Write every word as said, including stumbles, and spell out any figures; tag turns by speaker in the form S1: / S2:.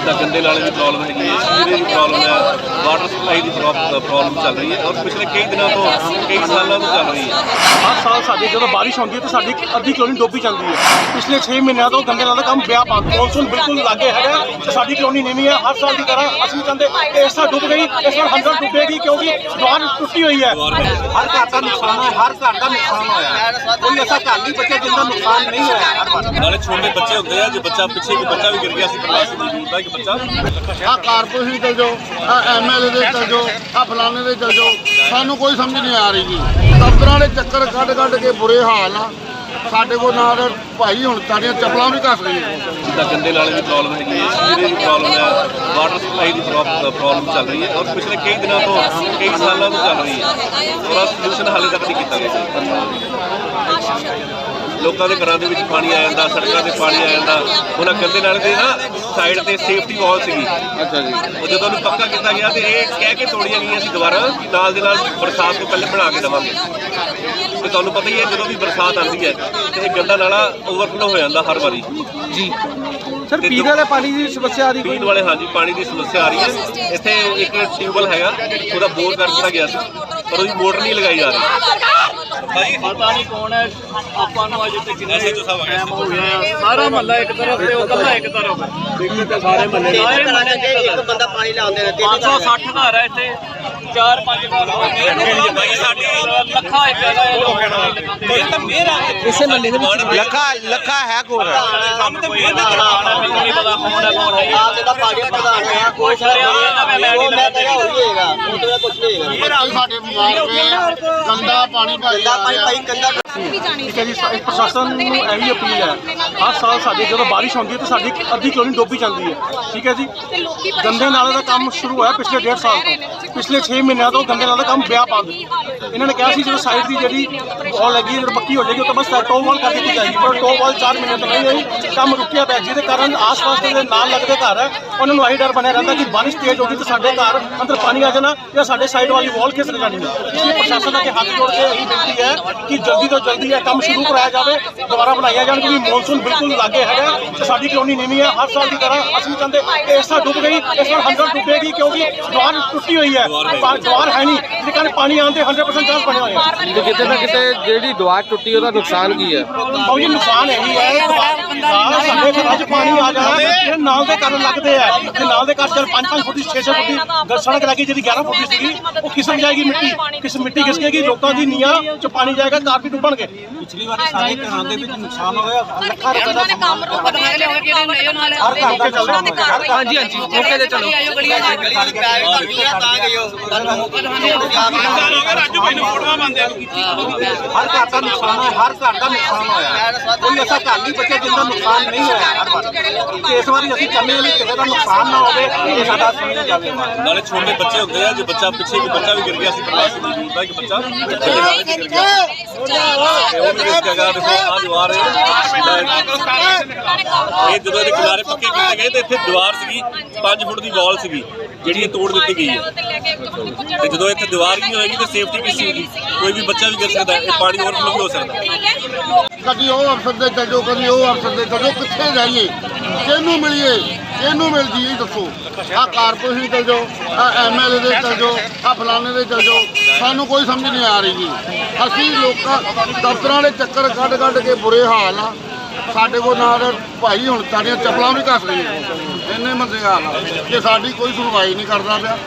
S1: ਜਿੱਦਾਂ ਗੰਦੇ ਨਾਲੇ ਦੀ ਪ੍ਰੋਬਲਮ ਹੈਗੀ ਹੈ, ਸੀਵਰੇਜ ਦੀ ਪ੍ਰੋਬਲਮ ਹੈ, ਵਾਟਰ ਸਪਲਾਈ ਦੀ ਪ੍ਰੋਬਲਮ ਚੱਲ ਰਹੀ ਹੈ ਔਰ ਪਿਛਲੇ ਕਈ ਦਿਨਾਂ ਤੋਂ ਕਈ ਸਾਲਾਂ ਤੋਂ ਚੱਲ ਰਹੀ ਹੈ।
S2: ਹਰ ਸਾਲ ਸਾਡੇ ਜਦੋਂ ਬਾਰਿਸ਼ ਹੁੰਦੀ ਹੈ ਤਾਂ ਸਾਡੀ ਅੱਧੀ ਕਲੋਨੀ ਡੁੱਬੀ ਜਾਂਦੀ ਹੈ। ਪਿਛਲੇ ਛੇ ਮਹੀਨਿਆਂ ਤੋਂ ਗੰਦੇ ਨਾਲੇ ਦਾ ਕੰਮ ਵਿਆਹ ਪਾ ਮੌਨਸੂਨ ਬਿਲਕੁਲ ਲਾਗੇ ਹੈਗਾ ਤੇ ਸਾਡੀ ਕਲੋਨੀ ਨੀਵੀਂ ਹੈ। ਹਰ ਸਾਲ ਦੀ ਤਰ੍ਹਾਂ ਅਸੀਂ ਚਾਹੁੰਦੇ ਕਿ ਇਸ ਸਾਲ ਡੁੱਬ ਗਈ, ਇਸ ਵਾਰ ਹੰਡਰ ਡੁੱਬੇਗੀ ਕਿਉਂਕਿ ਦੀਵਾਰ ਟੁੱਟੀ ਹੋਈ ਹੈ।
S3: ਹਰ ਘਰ ਦਾ ਨੁਕਸਾਨ ਹੈ, ਹਰ ਘਰ ਦਾ ਨੁਕਸਾਨ ਹੋਇਆ, ਕੋਈ ਐਸਾ ਘਰ ਨਹੀਂ ਬਚਿਆ ਜਿੰਦਾ ਨੁਕਸਾਨ ਨਹੀਂ ਹੋਇਆ। ਹਰ ਵਾਰ
S1: ਨਾਲੇ ਛੋਟੇ ਬੱਚੇ ਹੁੰਦੇ ਆ, ਜੇ ਬੱਚਾ ਪਿੱਛੇ ਕੋਈ ਬੱਚਾ ਵੀ ਗਿਰ ਗਿਆ ਸੀ ਪ੍ਰਵਾਸੀ ਮੌਜੂਦ ਦਾ ਇੱਕ ਬੱਚਾ
S4: ਆ ਕਾਰਪੋਰੇਸ਼ਨ ਚਲ ਜਾਓ, ਆ ਐਮ ਐਲ ਏ ਦੇ ਚਲ ਜਾਓ, ਆ ਫਲਾਣੇ ਦੇ ਚਲ ਜਾਓ, ਸਾਨੂੰ ਕੋਈ ਸਮਝ ਨਹੀਂ ਆ ਰਹੀ ਜੀ। ਦਫ਼ਤਰਾਂ ਦੇ ਚੱਕਰ ਕੱਢ ਕੱਢ ਕੇ ਬੁਰੇ ਹਾਲ ਆ ਸਾਡੇ ਕੋਲ। ਨਾਲ ਭਾਈ ਹੁਣ ਸਾਡੀਆਂ ਚੱਪਲਾਂ ਵੀ ਘਸ ਗਈਆਂ।
S1: ਜਿੱਦਾਂ ਗੰਦੇ ਨਾਲੇ ਦੀ ਪ੍ਰੋਬਲਮ ਹੈਗੀ ਹੈ, ਸੀਵਰੇਜ ਦੀ ਪ੍ਰੋਬਲਮ ਹੈ, ਵਾਟਰ ਸਪਲਾਈ ਦੀ ਪ੍ਰੋਬਲਮ ਚੱਲ ਰਹੀ ਹੈ ਔਰ ਪਿਛਲੇ ਕਈ ਦਿਨਾਂ ਤੋਂ ਕਈ ਸਾਲਾਂ ਤੋਂ ਚੱਲ ਰਹੀ ਹੈ। ਉਹਦਾ ਸੋਲੂਸ਼ਨ ਹਾਲੇ ਤੱਕ ਨਹੀਂ ਕੀਤਾ ਗਿਆ। ਲੋਕਾਂ ਦੇ ਘਰਾਂ ਦੇ ਵਿੱਚ ਪਾਣੀ ਆ ਜਾਂਦਾ, ਸੜਕਾਂ ਤੇ ਪਾਣੀ ਆ ਜਾਂਦਾ। ਉਹਨਾਂ ਗੰਦੇ ਨਾਲੇ ਦੇ ਨਾ ਸਾਈਡ ਤੇ ਸੇਫਟੀ ਵਾਲ ਸੀਗੀ, ਅੱਛਾ ਜੀ, ਉਹ ਜਦੋਂ ਉਹਨੂੰ ਪੱਕਾ ਕੀਤਾ ਗਿਆ ਤੇ ਇਹ ਕਹਿ ਕੇ ਤੋੜੀਆਂ ਗਈਆਂ ਸੀ ਦੁਬਾਰਾ ਕਿ ਨਾਲ ਦੇ ਨਾਲ ਬਰਸਾਤ ਤੋਂ ਪਹਿਲੇ ਬਣਾ ਕੇ ਦੇਵਾਂਗੇ। ਤੇ ਤੁਹਾਨੂੰ ਪਤਾ ਹੀ ਹੈ ਜਦੋਂ ਵੀ ਬਰਸਾਤ ਆਉਂਦੀ ਹੈ ਤੇ ਇਹ ਗੰਦਾ ਨਾਲਾ ਓਵਰਫਲੋ ਹੋ ਜਾਂਦਾ ਹਰ ਵਾਰੀ
S2: ਜੀ ਸਰ, ਪੀਣ ਵਾਲੇ ਪਾਣੀ ਦੀ ਸਮੱਸਿਆ ਆ ਰਹੀ
S1: ਪੀਣ ਵਾਲੇ ਹਾਂਜੀ ਪਾਣੀ ਦੀ ਸਮੱਸਿਆ ਆ ਰਹੀ ਹੈ। ਇੱਥੇ ਇੱਕ ਟਿਊਬਵੈਲ ਹੈਗਾ, ਉਹਦਾ ਬੋਰ ਕਰ ਦਿੱਤਾ ਗਿਆ ਸੀ ਪਰ ਉਹਦੀ ਮੋਟਰ ਨਹੀਂ ਲਗਾਈ ਜਾ ਰਹੀ।
S5: ਪਤਾ ਨਹੀਂ ਕੌਣ ਹੈ, ਆਪਾਂ ਨੂੰ ਅਜੇ ਤੱਕ ਕਿੰਨੇ ਟਾਈਮ ਹੋ ਗਿਆ। ਸਾਰਾ ਮਹੱਲਾ ਇੱਕ ਤਰਫ ਤੇ ਉਹ ਕੱਲਾ ਇੱਕ ਤਰਫ, ਦਿੱਕਤ ਤੇ ਸਾਰੇ ਮਹੱਲੇ ਸਾਰੇ ਮਹੱਲੇ ਦੇ ਇੱਕ ਬੰਦਾ ਪਾਣੀ ਲਾਉਂਦੇ ਨੇ। ਪੰਜ ਸੌ ਸੱਠ ਘਰ ਹੈ ਇੱਥੇ, ਚਾਰ ਪੰਜ ਘਰ ਲੱਖਾਂ ਇੱਕ
S2: ਇਸੇ ਮਹੱਲੇ ਦੇ ਵਿੱਚ
S3: ਲੱਖਾ ਲੱਖਾ ਹੈ ਕੋਲ
S5: ਕੰਮ ਤੇ ਮਿਹਨਤ ਕਰਾਉਣਾ, ਮੈਨੂੰ ਨਹੀਂ ਪਤਾ ਕੌਣ ਹੈ ਕੌਣ ਨਹੀਂ। ਆਪ ਦਾ ਪਾਰਟੀ ਪ੍ਰਧਾਨ ਹੈ, ਕੋਈ ਸ਼ਰਿਆ ਮੈਂ ਮੈਂ ਨਹੀਂ ਲੱਗਦਾ ਹੋਏਗਾ, ਉਹ ਤੇ ਕੁਝ ਨਹੀਂ ਹੋਏਗਾ।
S4: ਸਾਡੇ ਬਿਮਾਰ ਪਏ, ਗੰਦਾ ਪਾਣੀ ਭਰਦਾ
S3: ਭਾਈ ਭਾਈ ਕੰਦਾ
S2: ਠੀਕ ਹੈ ਜੀ। ਪ੍ਰਸ਼ਾਸਨ ਨੂੰ ਇਹੀ ਅਪੀਲ ਹੈ, ਹਰ ਸਾਲ ਸਾਡੇ ਜਦੋਂ ਬਾਰਿਸ਼ ਹੁੰਦੀ ਹੈ ਤਾਂ ਸਾਡੀ ਅੱਧੀ ਕਲੋਨੀ ਡੁੱਬੀ ਜਾਂਦੀ ਹੈ। ਠੀਕ ਹੈ ਜੀ। ਗੰਦੇ ਨਾਲੇ ਦਾ ਕੰਮ ਸ਼ੁਰੂ ਹੋਇਆ ਪਿਛਲੇ ਡੇਢ ਸਾਲ ਤੋਂ। ਪਿਛਲੇ ਛੇ ਮਹੀਨਿਆਂ ਤੋਂ ਗੰਦੇ ਨਾਲੇ ਦਾ ਕੰਮ ਵਿਆਹ ਪਾ ਦਿੱਤਾ। ਇਹਨਾਂ ਨੇ ਕਿਹਾ ਸੀ ਜਦੋਂ ਸਾਈਡ ਦੀ ਜਿਹੜੀ ਵਾਲ ਲੱਗੀ ਜਦੋਂ ਪੱਕੀ ਹੋ ਜਾਏਗੀ ਉਹ ਤਾਂ ਬਸ ਟੋਪ ਵਾਲ ਕਰ ਦਿੱਤੀ ਜਾਏਗੀ, ਪਰ ਟੋਪ ਵਾਲ ਚਾਰ ਮਹੀਨੇ ਤੋਂ ਨਹੀਂ ਹੋਈ, ਕੰਮ ਰੁਕਿਆ ਪਿਆ, ਜਿਹਦੇ ਕਾਰਨ ਆਸ-ਪਾਸ ਦੇ ਨਾਲ ਲੱਗਦੇ ਘਰ ਹੈ ਉਹਨਾਂ ਨੂੰ ਆਹੀ ਡਰ ਬਣਿਆ ਰਹਿੰਦਾ ਕਿ ਬਾਰਿਸ਼ ਤੇਜ਼ ਹੋ ਗਈ ਤਾਂ ਸਾਡੇ ਘਰ ਅੰਦਰ ਪਾਣੀ ਆ ਜਾਣਾ ਜਾਂ ਸਾਡੇ ਸਾਈਡ ਵਾਲੀ ਵਾਲ ਖਿਸਕ ਜਾਣੀ ਹੈ। ਇਸ ਲਈ ਪ੍ਰਸ਼ਾਸਨ ਅੱਗੇ ਹੱਥ ਜੋੜ ਕੇ ਇਹੀ ਬੇਨਤੀ ਹੈ ਕਿ ਜਲਦੀ ਤੋਂ ਜਲਦੀ ਇਹ ਕੰਮ ਸ਼ੁਰੂ ਕਰਾਇਆ ਜਾਵੇ, ਦੁਬਾਰਾ ਬਣਾਇਆ ਜਾਣ ਕਿਉਂਕਿ ਮੌਨਸੂਨ ਬਿਲਕੁਲ ਲਾਗੇ ਹੈਗਾ ਤੇ ਸਾਡੀ ਕਲੋਨੀ ਨੀਵੀਂ ਹੈ। ਹਰ ਸਾਲ ਦੀ ਤਰ੍ਹਾਂ ਅਸੀਂ ਚਾਹੁੰਦੇ ਕਿ ਇਸ ਸਾਲ ਡੁੱਬ ਗਈ, ਇਸ ਵਾਰ ਹੰਡਰ ਡੁੱਬੇਗੀ ਕਿਉਂਕਿ ਦੀਵਾਰ ਟੁੱਟੀ ਹੋਈ ਹੈ, ਦੀਵਾਰ ਹੈ ਨਹੀਂ, ਜਿਹਦੇ ਕਾਰਨ ਪਾਣੀ ਆਉਣ ਦੇ ਹੰਡਰਡ ਪਰਸੈਂਟ ਚਾਂਸ ਬਣੇ ਹੋਏ ਆ।
S6: ਕਿਤੇ ਨਾ ਕਿਤੇ ਜਿਹੜੀ ਦੀਵਾਰ ਟੁੱਟੀ ਉਹਦਾ ਨੁਕਸਾਨ ਕੀ ਹੈ?
S2: ਬਹੁਤ ਹੀ ਨੁਕਸਾਨ ਇਹੀ ਹੈ ਦੀਵਾਰ ਸਾਡੇ ਘਰਾਂ 'ਚ ਪਾਣੀ ਆ ਜਾਣਾ, ਜਿਹੜੇ ਨਾਲ ਦੇ ਘਰ ਲੱਗਦੇ ਆ ਤੇ ਨਾਲ ਦੇ ਘਰ ਚੱਲ ਪੰਜ ਪੰਜ ਫੁੱਟ ਛੇ ਛੇ ਫੁੱਟ ਦੀ ਸੜਕ ਲੱਗੀ ਜਿਹੜੀ ਗਿਆਰਾਂ ਫੁੱਟ ਦੀ ਸੀਗੀ ਉਹ ਖਿਸਕ ਜਾਏਗੀ, ਮਿੱਟੀ ਕਿਸ ਮਿੱਟੀ ਖਿਸਕੇਗੀ, ਲੋਕਾਂ ਦੀ ਨੀਆਂ 'ਚ ਪਾਣੀ ਜਾਏਗਾ, ਘਰ ਵੀ ਡੁੱਬਣਗੇ।
S3: ਪਿਛਲੀ ਵਾਰੀ ਸਾਰੇ ਘਰਾਂ ਦੇ ਵਿੱਚ ਨੁਕਸਾਨ ਹੋਇਆ, ਲੱਖਾਂ ਰੁਪਏ ਦਾ
S7: ਕੰਮ ਨੂੰ ਬਦਲਾ ਕੇ ਲਿਆਉਣਾ ਜਿਹੜੇ ਨਏ ਨਾਲ
S2: ਹਾਂਜੀ ਹਾਂਜੀ ਮੌਕੇ ਤੇ ਚਲੋ
S3: ਹਰ ਘਰ ਦਾ ਨੁਕਸਾਨ ਹੈ, ਹਰ ਘਰ ਦਾ ਨੁਕਸਾਨ ਹੋਇਆ, ਕੋਈ ਐਸਾ ਘਰ ਨਹੀਂ ਬਚਿਆ ਜਿੰਦਾ ਨੁਕਸਾਨ ਨਹੀਂ ਹੋਇਆ। ਹਰ ਵਾਰ ਤੇ ਇਸ ਵਾਰੀ ਅਸੀਂ ਚਾਹੁੰਦੇ ਹਾਂ ਵੀ ਕਿਸੇ ਦਾ ਨੁਕਸਾਨ ਨਾ ਹੋਵੇ, ਇਹ ਸਾਡਾ ਸਮਝਿਆ ਜਾਵੇ।
S1: ਨਾਲੇ ਛੋਟੇ ਬੱਚੇ ਹੁੰਦੇ ਆ, ਜੇ ਬੱਚਾ ਪਿੱਛੇ ਕੋਈ ਬੱਚਾ ਵੀ ਗਿਰ ਗਿਆ ਸੀ ਪ੍ਰਵਾਸੀ ਮੌਜੂਦ ਦਾ ਇੱਕ ਬੱਚਾ ਬੱਚੇ ਦੇ ਨਾਲ ਗਿਰ ਗਿਆ ਤੇ ਉਹ ਵੀ ਇਸ ਜਗ੍ਹਾ ਦੇਖੋ ਆ ਦੀਵਾਰ ਇਹ ਜਦੋਂ ਇਹਦੇ ਕਿਨਾਰੇ ਪੱਕੇ ਕੀਤੇ ਗਏ ਤੇ ਇੱਥੇ ਦੀਵਾਰ ਸੀਗੀ ਪੰਜ ਫੁੱਟ ਦੀ ਵਾਲ ਸੀਗੀ ਜਿਹੜੀ ਇਹ ਤੋੜ ਦਿੱਤੀ ਗਈ ਹੈ ਤੇ ਜਦੋਂ ਇੱਥੇ ਦੀਵਾਰ ਨਹੀਂ ਹੋਏਗੀ ਤੇ ਸੇਫਟੀ ਕਿਸ ਚੀਜ਼ ਦੀ? ਕੋਈ ਵੀ ਬੱਚਾ ਵੀ ਗਿਰ ਸਕਦਾ, ਇਹ ਪਾਣੀ ਓਵਰਫਲੋ ਵੀ ਹੋ ਸਕਦਾ।
S4: ਕਦੀ ਉਹ ਅਫਸਰ ਦੇ ਚਲ ਜਾਓ, ਕਦੀ ਉਹ ਅਫਸਰ ਦੇ ਚਲ ਜਾਓ, ਕਿੱਥੇ ਜਾਈਏ, ਕਿਹਨੂੰ ਮਿਲੀਏ, ਕਿਹਨੂੰ ਮਿਲ ਜੀ ਦੱਸੋ। ਆ ਕਾਰਪੋਰੇਸ਼ਨ ਚਲ ਜਾਓ, ਆ ਐਮ ਐਲ ਏ ਦੇ ਚਲ ਜਾਓ, ਆ ਫਲਾਣੇ ਦੇ ਚਲ ਜਾਓ, ਸਾਨੂੰ ਕੋਈ ਸਮਝ ਨਹੀਂ ਆ ਰਹੀ ਜੀ। ਅਸੀਂ ਲੋਕਾਂ ਦਫ਼ਤਰਾਂ ਦੇ ਚੱਕਰ ਕੱਢ ਕੱਢ ਕੇ ਬੁਰੇ ਹਾਲ ਆ ਸਾਡੇ ਕੋਲ। ਨਾਲ ਭਾਈ ਹੁਣ ਸਾਡੀਆਂ ਚੱਪਲਾਂ ਵੀ ਘਸ ਗਈਆਂ, ਇੰਨੇ ਮੰਦੇ ਹਾਲ ਆ ਕਿ ਸਾਡੀ ਕੋਈ ਸੁਣਵਾਈ ਨਹੀਂ ਕਰਦਾ ਪਿਆ।